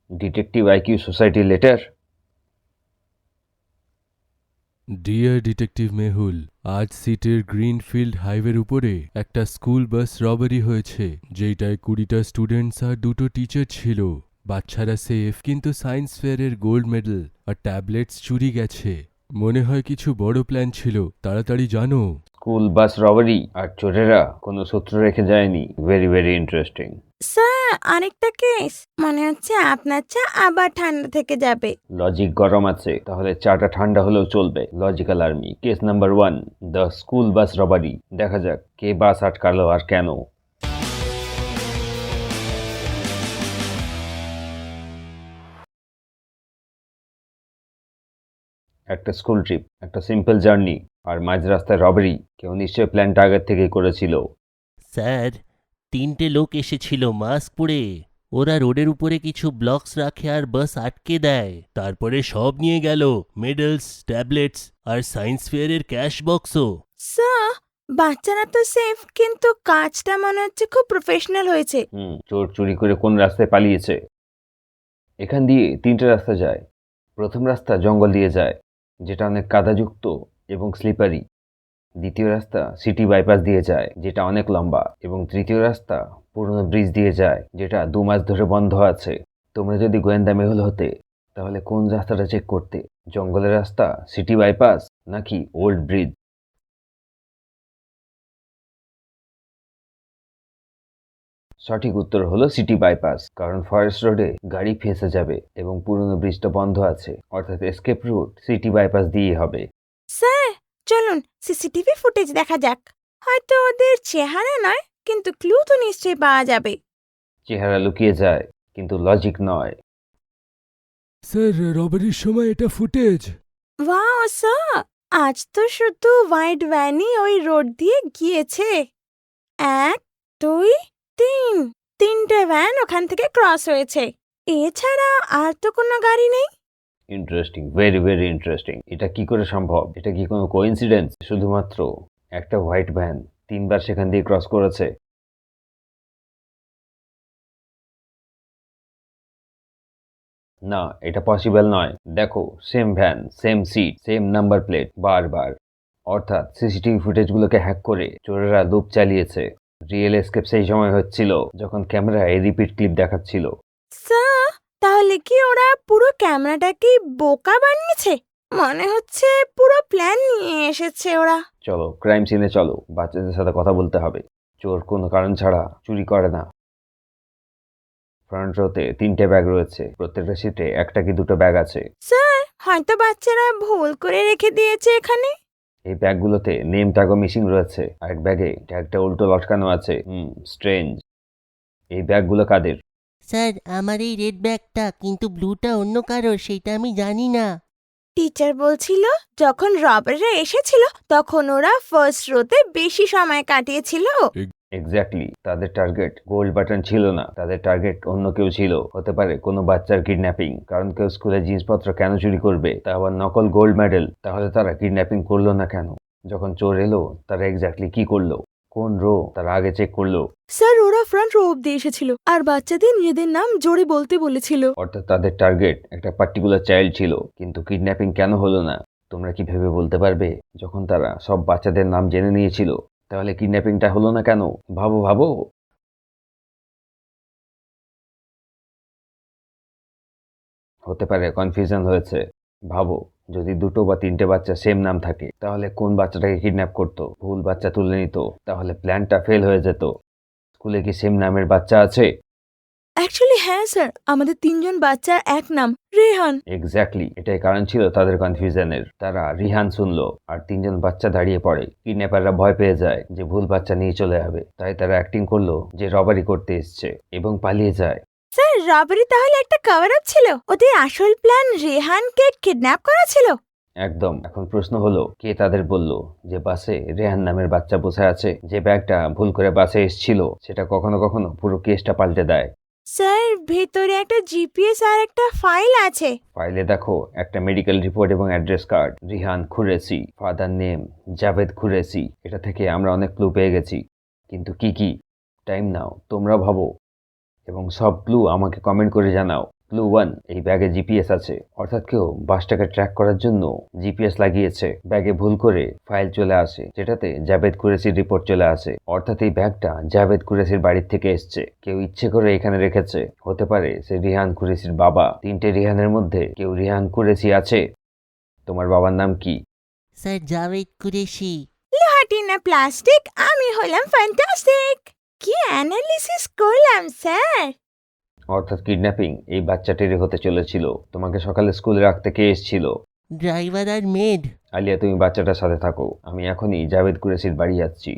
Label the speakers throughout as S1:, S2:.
S1: Detective IQ society letter.
S2: Dear detective Mehul, আজ সিটির greenfield হাইওয়ের উপরে একটা স্কুল বাস রবারি হয়েছে, যেটায় 20টা স্টুডেন্টস আর 2টো টিচার ছিল। বাচ্চারা সেফ, কিন্তু সায়েন্স ফেয়ারের গোল্ড মেডেল আর ট্যাবলেটস চুরি গেছে। মনে হয় কিছু বড় প্ল্যান ছিল, তাড়াতাড়ি জানো।
S1: স্কুল বাস রবারি আর চোরেরা কোনো সূত্র রেখে যায়নি। Very very interesting.
S3: স্যার, আরেকটা কেস মনে হচ্ছে আপনার চা আবার ঠান্ডা থেকে যাবে।
S1: লজিক গরম আছে, তাহলে চাটা ঠান্ডা হলেও চলবে। Logical army, case number 1, the school bus robbery. দেখা যাক কে বাস আটকালো আর কেন। একটা স্কুল ট্রিপ, একটা সিম্পল জার্নি, আর মাঝ রাস্তায় রবারি। কেউ নিশ্চয়ই প্ল্যানটা আগের থেকেই করেছিল।
S4: স্যার, 3টে লোক এসেছিল মাস্ক পরে। ওরা রোডের উপরে কিছু ব্লকস রাখে আর বাস আটকে দেয়। তারপরে সব নিয়ে গেল, মেডেলস, ট্যাবলেটস আর সায়েন্স ফেয়ারের ক্যাশ বক্সও।
S3: স্যার, বাচ্চারা তো সেফ, কিন্তু কাজটা মনে হচ্ছে খুব প্রফেশনাল হয়েছে।
S1: চোর চুরি করে কোন রাস্তায় পালিয়েছে? এখান দিয়ে 3টে রাস্তা যায়। প্রথম রাস্তা জঙ্গল দিয়ে যায়, যেটা অনেক কাদাযুক্ত এবং স্লিপারি। দ্বিতীয় রাস্তা সিটি বাইপাস দিয়ে যায়, যেটা অনেক লম্বা। এবং তৃতীয় রাস্তা পুরনো ব্রিজ দিয়ে যায়, যেটা 2 মাস ধরে বন্ধ আছে। তোমরা যদি গোয়েন্দা মেহুল হতে, তাহলে কোন রাস্তাটা চেক করতে? জঙ্গলের রাস্তা, সিটি বাইপাস, নাকি ওল্ড ব্রিজ? সঠিক উত্তর হলো সিটি বাইপাস, কারণ ফরেস্ট রোডে গাড়ি ফেঁসে যাবে এবং পুরনো ব্রিজটা বন্ধ আছে। অর্থাৎ এসকেপ রুট সিটি বাইপাস দিয়েই হবে।
S3: স্যার, চলুন সিসিটিভি ফুটেজ দেখা যাক। হয়তো ওদের চেহারা নয়, কিন্তু ক্লু তো নিশ্চয়ই পাওয়া যাবে।
S1: চেহারা লুকিয়ে যায়, কিন্তু লজিক নয়।
S2: স্যার, রবারির সময় এটা ফুটেজ।
S3: ওয়াও স্যার, আজ তো শুধু হোয়াইট ভ্যানই ওই রোড দিয়ে গিয়েছে। 1, 2, 3, 3টে ভ্যান ওখান থেকে ক্রস হয়েছে। এছাড়া আর তো কোনো গাড়ি নেই।
S1: Interesting, very very interesting. এটা কি করে সম্ভব? এটা কি কোনো কোইন্সিডেন্স? শুধুমাত্র একটা হোয়াইট ভ্যান 3বার সেখান দিয়ে ক্রস করেছে। না, এটা পসিবল নয়। দেখো, same van, same seat, same number plate, বারবার। অর্থাৎ সিসিটিভি ফুটেজগুলোকে হ্যাক করে চোরেরা লুপ চালিয়েছে। রিয়েল এসকেপ সেই সময় হচ্ছিল যখন ক্যামেরায় রিপিট ক্লিপ দেখাচ্ছিল।
S3: স্যার, তাহলে কি ওরা পুরো ক্যামেরাটাকে বোকা বানিয়েছে? মনে হচ্ছে পুরো প্ল্যান নিয়ে এসেছে ওরা।
S1: চলো ক্রাইম সিনে চলো, বাচ্চাদের সাথে কথা বলতে হবে। চোর কোনো কারণ ছাড়া চুরি করে না। ফ্রন্ট রোতে 3টে ব্যাগ রয়েছে, প্রত্যেকটা সিটে একটা কি দুটো ব্যাগ আছে।
S3: স্যার, হয়তো বাচ্চারা ভুল করে রেখে দিয়েছে এখানে।
S1: এই ব্যাগগুলোতে নেম ট্যাগও মিসিং রয়েছে, আর এক ব্যাগে ট্যাগটা উল্টো লটকানো আছে। স্ট্রেঞ্জ। এই ব্যাগগুলো কাদের?
S4: স্যার, আমার এই রেড ব্যাগটা, কিন্তু ব্লুটা অন্য কারোর, সেইটা আমি জানি না।
S3: টিচার বলছিল যখন রবাররা এসেছিল তখন ওরা ফার্স্ট রোতে বেশি সময় কাটিয়েছিল।
S1: এক্স্যাক্টলি। তাদের টার্গেট গোল্ড বাটন ছিল না, তাদের টার্গেট অন্য কেউ ছিল। হতে পারে কোনো বাচ্চার কিডন্যাপিং, কারণ কেউ স্কুলে জিনিসপত্র কেন চুরি করবে, তা আবার নকল গোল্ড মেডেল? তাহলে তারা কিডন্যাপিং করলো না কেন? যখন চোর এলো তারা এক্স্যাক্টলি কি করলো? কোন রো তারা আগে চেক করলো?
S3: স্যার, ওরা ফ্রন্ট রো অব্দি এসেছিল আর বাচ্চাদের নিজেদের নাম জোরে বলতে বলেছিল।
S1: অর্থাৎ তাদের টার্গেট একটা পার্টিকুলার চাইল্ড ছিল। কিন্তু কিডন্যাপিং কেন হলো না? তোমরা কি ভেবে বলতে পারবে? যখন তারা সব বাচ্চাদের নাম জেনে নিয়েছিল, তাহলে কিডন্যাপিংটা হলো না কেন? ভাবো ভাবো। হতে পারে কনফিউশন হয়েছে। ভাবো, যদি 2টো বা 3টে বাচ্চা সেম নাম থাকে, তাহলে কোন বাচ্চাটাকে কিডন্যাপ করতো? ভুল বাচ্চা তুলে নিত, তাহলে প্ল্যানটা ফেল হয়ে যেত। স্কুলে কি সেম নামের বাচ্চা আছে?
S3: অ্যাকচুয়ালি হ্যাঁ স্যার, আমাদের 3জন বাচ্চার এক নাম রেহান।
S1: এক্স্যাক্টলি, এটাই কারণ ছিল তাদের কনফিউশনের। তারা রিহান শুনলো আর 3জন বাচ্চা দাঁড়িয়ে পড়ে। কিডন্যাপাররা ভয় পেয়ে যায় যে ভুল বাচ্চা নিয়ে চলে যাবে, তাই তারা অ্যাক্টিং করলো যে রবারি করতে এসছে এবং পালিয়ে যায়।
S3: স্যার, রবারি তাহলে একটা কভার আপ ছিল? ওদের আসল প্ল্যান রেহানকে কিডন্যাপ করা ছিল?
S1: একদম। এখন প্রশ্ন হলো, কে তাদের বলল যে বাসে রেহান নামের বাচ্চা বসে আছে? যে ব্যাগটা ভুল করে বাসে এসেছিল, সেটা কখনো কখনো পুরো কেসটা পাল্টে দেয়।
S3: স্যার, ভেতরে একটা জিপিএস আর একটা ফাইল আছে।
S1: ফাইলে দেখো একটা মেডিকেল রিপোর্ট এবং address card. Rihan Qureshi, father name Javed Qureshi. এটা থেকে আমরা অনেক ক্লু পেয়ে গেছি, কিন্তু কি কি? টাইম নাও, তোমরা ভাবো এবং সব ক্লু আমাকে কমেন্ট করে জানাও। ক্লু 1, এই ব্যাগে জিপিএস আছে, অর্থাৎ কেউ বাসটাকে ট্র্যাক করার জন্য জিপিএস লাগিয়েছে। ব্যাগে ভুল করে ফাইল চলে আসে যেটাতে জাভেদ কুরেশির রিপোর্ট চলে আসে, অর্থাৎ এই ব্যাগটা জাভেদ কুরেশির বাড়ির থেকে এসছে। কেউ ইচ্ছে করে এখানে রেখেছে, হতে পারে সে রিহান কুরেশির বাবা। 3টে রিহানের মধ্যে কেউ রিহান কুরেশি আছে। তোমার বাবার নাম কি?
S4: স্যার জাভেদ কুরেশি।
S3: লোহাটি না প্লাস্টিক, আমি হলাম ফ্যান্টাস্টিক। কি অ্যানালিসিস করলাম স্যার।
S1: অর্থাৎ কিডন্যাপিং এই বাচ্চাটিরই হতে চলেছিল। তোমাকে সকালে স্কুলে রাখতে কে এসেছিল?
S4: Driver are made.
S1: আলিয়া, তুমি বাচ্চাটার সাথে থাকো, আমি এখনই জাভেদ কুরেশির বাড়ি যাচ্ছি।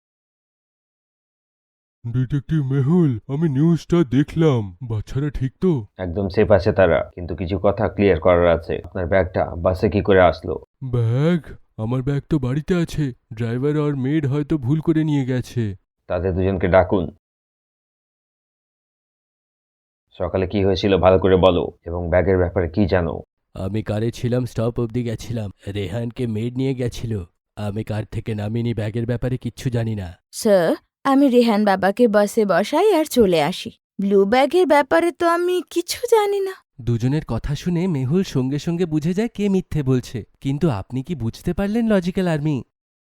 S2: ডিটেকটিভ মেহুল, আমি নিউজটা দেখলাম। বাচ্চারা ঠিক তো?
S1: একদম সেফ আছে তারা, কিন্তু কিছু কথা ক্লিয়ার করার আছে। আপনার ব্যাগটা বাসে কি করে আসলো?
S2: ব্যাগ? আমার ব্যাগ তো বাড়িতে আছে। ড্রাইভার আর মেড হয়তো ভুল করে নিয়ে গেছে।
S1: তাদের দুজনকে ডাকুন। সকালে কি হয়েছিল ভালো করে বলো, এবং ব্যাগের ব্যাপারে কি জানো?
S2: আমি কারে ছিলাম, স্টপ অবধি গেছিলাম। রেহানকে মেড নিয়ে গেছিল। আমি কার থেকে নামিনি, ব্যাগের ব্যাপারে কিচ্ছু জানি না।
S3: স্যার, আমি রেহান বাবাকে বাসে বসাই আর চলে আসি। ব্লু ব্যাগের ব্যাপারে তো আমি কিছু জানি না।
S2: দুজনের কথা শুনে মেহুল সঙ্গে সঙ্গে বুঝে যায় কে মিথ্যে বলছে। কিন্তু আপনি কি বুঝতে পারলেন লজিক্যাল আর্মি?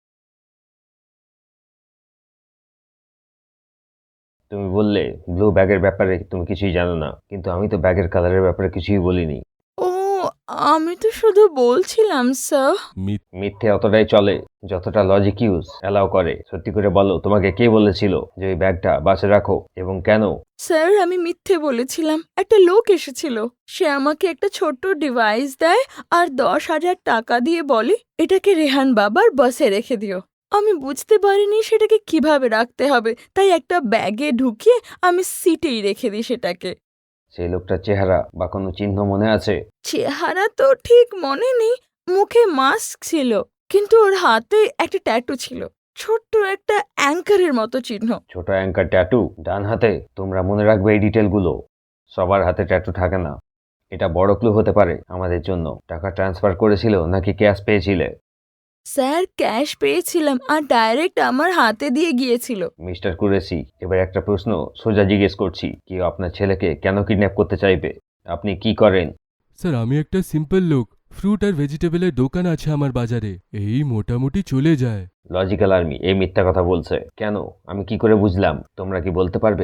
S1: তুমি বললে ব্লু ব্যাগের ব্যাপারে তুমি কিছুই জানো না, কিন্তু আমি তো ব্যাগের কালারের ব্যাপারে কিছুই বলিনি।
S3: ও, আমি তো শুধু বলছিলাম স্যার।
S1: মিথ্যে অতটাই চলে যতটা লজিক ইউজ অ্যালাউ করে। সত্যি করে বলো, তোমাকে কে বলেছিল যে ওই ব্যাগটা বাসে রাখো, এবং কেন?
S3: স্যার, আমি মিথ্যে বলেছিলাম। একটা লোক এসেছিল, সে আমাকে একটা ছোট্ট ডিভাইস দেয় আর 10,000 টাকা দিয়ে বলে এটাকে রেহান বাবার বাসে রেখে দিও। আমি বুঝতে পারিনি সেটাকে কিভাবে রাখতে হবে, তাই একটা ব্যাগে ঢুকিয়ে আমি সিটেই রেখে দিই সেটাকে।
S1: সেই লোকটার চেহারা বা কোনো চিহ্ন মনে আছে?
S3: চেহারা তো ঠিক মনে নেই, মুখে মাস্ক ছিল, কিন্তু ওর হাতে একটা ট্যাটু ছিল, ছোট্ট একটা অ্যাঙ্কারের মতো চিহ্ন।
S1: ছোট অ্যাঙ্কার ট্যাটু ডান হাতে? তোমরা মনে রাখবে এই ডিটেলগুলো। সবার হাতে ট্যাটু থাকে না। এটা বড় ক্লু হতে পারে আমাদের জন্য। টাকা ট্রান্সফার করেছিল নাকি ক্যাশ পেয়েছিলে?
S3: স্যার, ক্যাশ পেয়েছিলাম আর ডাইরেক্ট আমার হাতে দিয়ে গিয়েছিল।
S1: মিস্টার কুরেশি, এবার একটা প্রশ্ন সোজা জিজ্ঞেস করছি, কেউ আপনার ছেলেকে কেন কিডন্যাপ করতে চাইবে? আপনি কি করেন?
S2: স্যার, আমি একটা সিম্পল লোক। ফ্রুট আর ভেজিটেবলের দোকান আছে আমার বাজারে, এই মোটামুটি চলে যায়।
S1: লজিক্যাল আর্মি এই মিথ্যা কথা বলছে কেন? আমি কি করে বুঝলাম? তোমরা কি বলতে পারবে?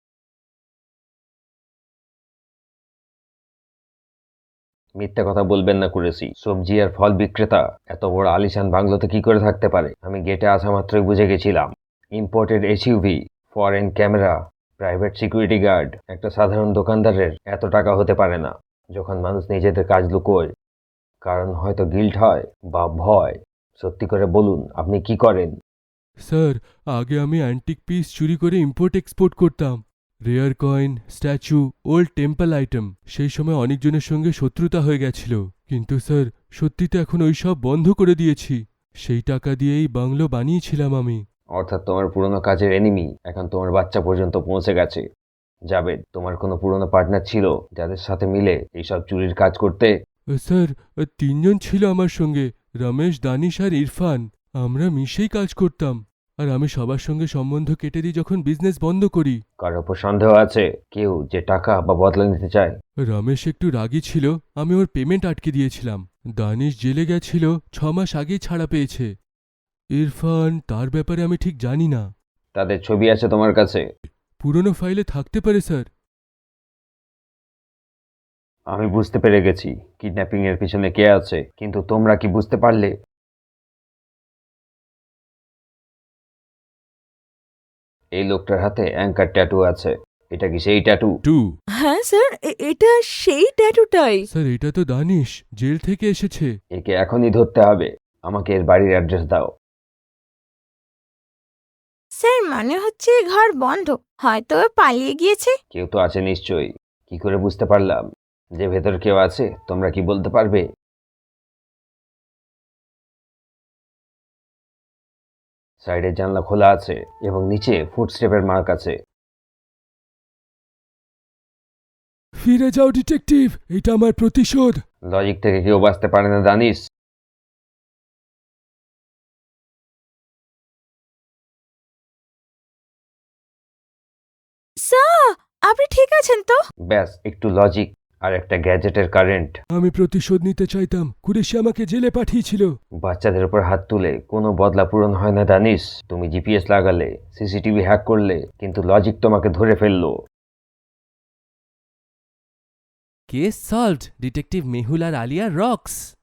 S1: মিথ্যা কথা বলবেন না কুরেশি। সবজি আর ফল বিক্রেতা এত বড় আলিশান বাংলোতে কি করে থাকতে পারে? আমি গেটে আসা মাত্রই বুঝে গেছিলাম। Imported SUV, foreign camera, private security guard, একটা সাধারণ দোকানদারের এত টাকা হতে পারে না। যখন মানুষ নিজেদের কাজ লুকোয়, কারণ হয়তো গিল্ট হয় বা ভয়। সত্যি করে বলুন, আপনি কি করেন?
S2: স্যার, আগে আমি অ্যান্টিক পিস চুরি করে ইম্পোর্ট এক্সপোর্ট করতাম। Rare coin, statue, old temple item. সেই সময় অনেকজনের সঙ্গে শত্রুতা হয়ে গেছিল, কিন্তু স্যার সত্যিতে এখন ওই সব বন্ধ করে দিয়েছি। সেই টাকা দিয়েই বাংলো বানিয়েছিলাম আমি।
S1: অর্থাৎ তোমার পুরনো কাজের এনিমি এখন তোমার বাচ্চা পর্যন্ত পৌঁছে গেছে। জাভেদ, তোমার কোনো পুরনো পার্টনার ছিল যাদের সাথে মিলে এইসব চুরির কাজ করতে?
S2: স্যার, 3জন ছিল আমার সঙ্গে, রমেশ, দানিশ আর ইরফান। আমরা মিশেই কাজ করতাম, আর আমি সবার সঙ্গে সম্বন্ধ কেটে দিই যখন বিজনেস বন্ধ করি।
S1: কারোর ওপর সন্দেহ আছে কেউ যে টাকা বা বদলা নিতে চায়?
S2: রমেশ একটু রাগী ছিল, আমি ওর পেমেন্ট আটকে দিয়েছিলাম। দানিশ জেলে গেছিল, 6 মাস আগেই ছাড়া পেয়েছে। ইরফান, তার ব্যাপারে আমি ঠিক জানি না।
S1: তাদের ছবি আছে তোমার কাছে?
S2: পুরনো ফাইলে থাকতে পারে স্যার।
S1: আমি বুঝতে পেরে গেছি কিডন্যাপিং এর পিছনে কে আছে, কিন্তু তোমরা কি বুঝতে পারলে? এই লোকটার হাতে অ্যাঙ্কার ট্যাটু আছে। এটা কি সেই ট্যাটু?
S3: হ্যাঁ স্যার, এটা সেই ট্যাটুটাই।
S2: স্যার, এটা তো দানিশ, জেল থেকে এসেছে।
S1: একে এখনই ধরতে হবে। আমাকে এর বাড়ির অ্যাড্রেস দাও।
S3: স্যার, মনে হচ্ছে ঘর বন্ধ, হয়তো ও পালিয়ে গিয়েছে।
S1: কেউ তো আছে নিশ্চয়ই। কি করে বুঝতে পারলাম যে ভেতর কেউ আছে? তোমরা কি বলতে পারবে? সাইডের জানলা খোলা আছে এবং নিচে ফুটস্টেপের মার্ক আছে।
S2: ফিরে যাও ডিটেকটিভ, এটা আমার প্রতিশোধ।
S1: লজিক থেকে কেউ বাঁচতে পারে না দানিশ।
S3: স্যার, আপনি ঠিক আছেন তো?
S1: ব্যাস একটু লজিক আর একটা গ্যাজেটের কারেন্ট।
S2: আমি প্রতিশোধ নিতে চাইতাম, কুরেশি আমাকে জেলে পাঠিয়েছিল।
S1: বাচ্চাদের উপর হাত তুলে কোনো বদলা পূরণ হয় না দানিশ। তুমি জিপিএস লাগালে, সিসিটিভি হ্যাক করলে, কিন্তু লজিক তোমাকে ধরে ফেললো।
S2: কেস সলভড, ডিটেকটিভ মেহুল আর আলিয়া রক্স।